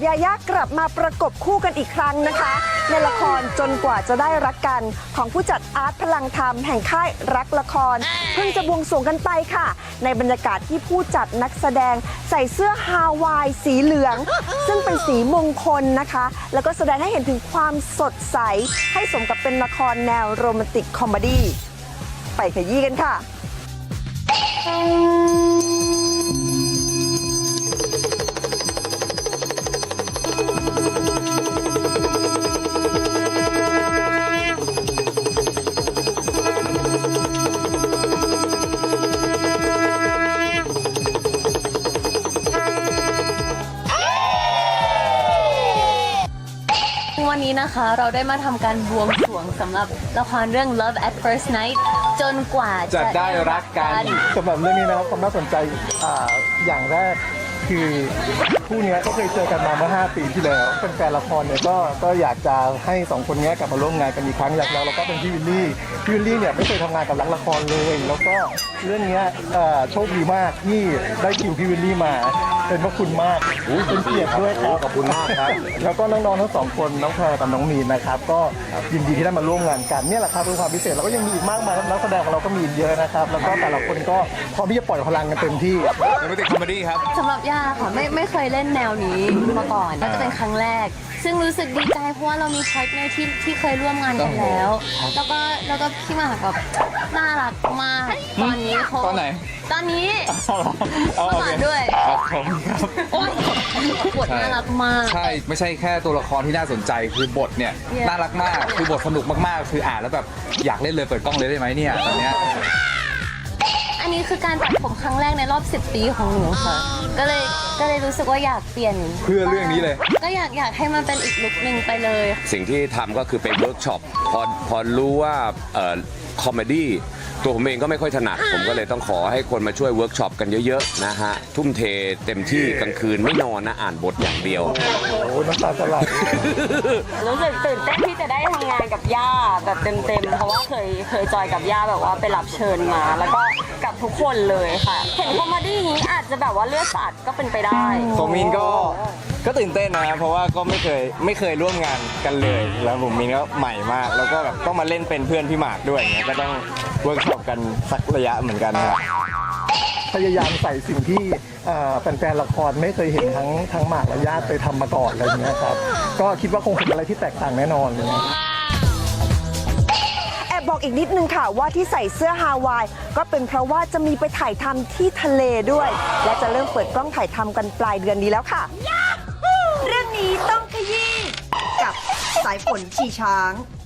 ยาย่ากลับมาประกบคู่กันอีกครั้งนะคะ ในละครจนกว่าจะได้รักกันของผู้จัดอาร์ตพลังธรรมแห่งค่ายรักละครเพิ่งจะบวงสรวงกันไปค่ะในบรรยากาศที่ผู้จัดนักแสดงใส่เสื้อฮาวายสีเหลืองซึ่งเป็นสีมงคลนะคะแล้วก็แสดงให้เห็นถึงความสดใสให้สมกับเป็นละครแนวโรแมนติกคอมเมดี้ไปขยี้กันค่ะวันนี้นะคะเราได้มาทำการบวงสรวงสำหรับละครเรื่อง Love at First Night จนกว่าจะได้รักกันสำหรับเรื่องนี้นะครับความน่าสนใจอย่างแรกคือคู่นี้ก็เคยเจอกันมาเมื่อ5 ปีที่แล้วเป็นแฟนละครเนี่ยก็อยากจะให้2คนนี้กลับมาร่วมงานกันอีกครั้งแล้วก็เป็นพี่วิลลี่เนี่ยไม่เคยทำงานกับรักละครเลยแล้วก็เรื่องนี้โชคดีมากที่ได้คิวพี่วิลลี่มาเป็นพระคุณมากเป็นเกียรติด้วยครับขอบคุณมากครับแล้วก็น้องๆทั้ง2คนน้องแพรกับน้องมีนนะครับก็ยินดีที่ได้มาร่วมงานกันเนี่ยแหละครับเป็นความพิเศษแล้วก็ยังมีอีกมากมายนักแสดงของเราก็มีเยอะนะครับแล้วก็แต่ละคนก็พร้อมที่จะปล่อยพลังกันเต็มที่โรแมนติกคอมเมดี้ครับสำหรับย่าค่ะไม่เคยเล่นแนวนี้มาก่อนน่าจะเป็นครั้งแรกซึ่งรู้สึกดีใจเพราะว่าเรามีพาร์ทเนอร์ที่เคยร่วมงานกันแล้วแล้วก็พี่หมากแบบน่ารักมากตอนนี้เขาตอนไหนตอนนี้มาด้วยผมครับบทน่ารักมากใช่ไม่ใช่แค่ตัวละครที่น่าสนใจคือบทเนี่ยน่ารักมากคือบทสนุกมากๆคืออ่านแล้วแบบอยากเล่นเลยเปิดกล้องเลยได้ไหมเนี่ยตอนเนี้ยอันนี้คือการตัดผมครั้งแรกในรอบ10 ปีของหนูค่ะก็เลยรู้สึกว่าอยากเปลี่ยนเพื่อเรื่องนี้เลยก็อยากให้มันเป็นอีกลุคหนึ่งไปเลยสิ่งที่ทำก็คือไปเวิร์กช็อปพอรู้ว่าคอมเมดี้ตัวผมเองก็ไม่ค่อยถนัดผมก็เลยต้องขอให้คนมาช่วยเวิร์กช็อปกันเยอะๆนะฮะทุ่มเทเต็มที่กลางคืนไม่นอนนะอ่านบทอย่างเดียวโอ้น้ำตาจะไหลรู้สึกตื่นเต้นที่จะได้ทำงานกับย่าแบบเต็มๆเพราะว่าเคยจอยกับย่าแบบว่าไปรับเชิญมาแล้วก็กับทุกคนเลยค่ะเห็นคอมเมดี้นี้อาจจะแบบว่าเลือดสาดก็เป็นไปได้ผมมินก็ตื่นเต้นนะเพราะว่าก็ไม่เคยร่วมงานกันเลยแล้วผมมินก็ใหม่มากแล้วก็แบบต้องมาเล่นเป็นเพื่อนพี่หมากด้วยอย่างเงี้ยก็ต้องเวิร์กช็อปกันสักระยะเหมือนกันครับพยายามใส่สิ่งที่แฟนๆละครไม่เคยเห็นทั้งหมากและญาติไปทำมาก่อนอะไรอย่างเงี้ยครับก็คิดว่าคงเป็นอะไรที่แตกต่างแน่นอนเลยแอบบอกอีกนิดนึงค่ะว่าที่ใส่เสื้อฮาวายก็เป็นเพราะว่าจะมีไปถ่ายทำที่ทะเลด้วยและจะเริ่มเปิดกล้องถ่ายทำกันปลายเดือนนี้แล้วค่ะเรื่องนี้ต้องขยี้กับสายฝนชีช้าง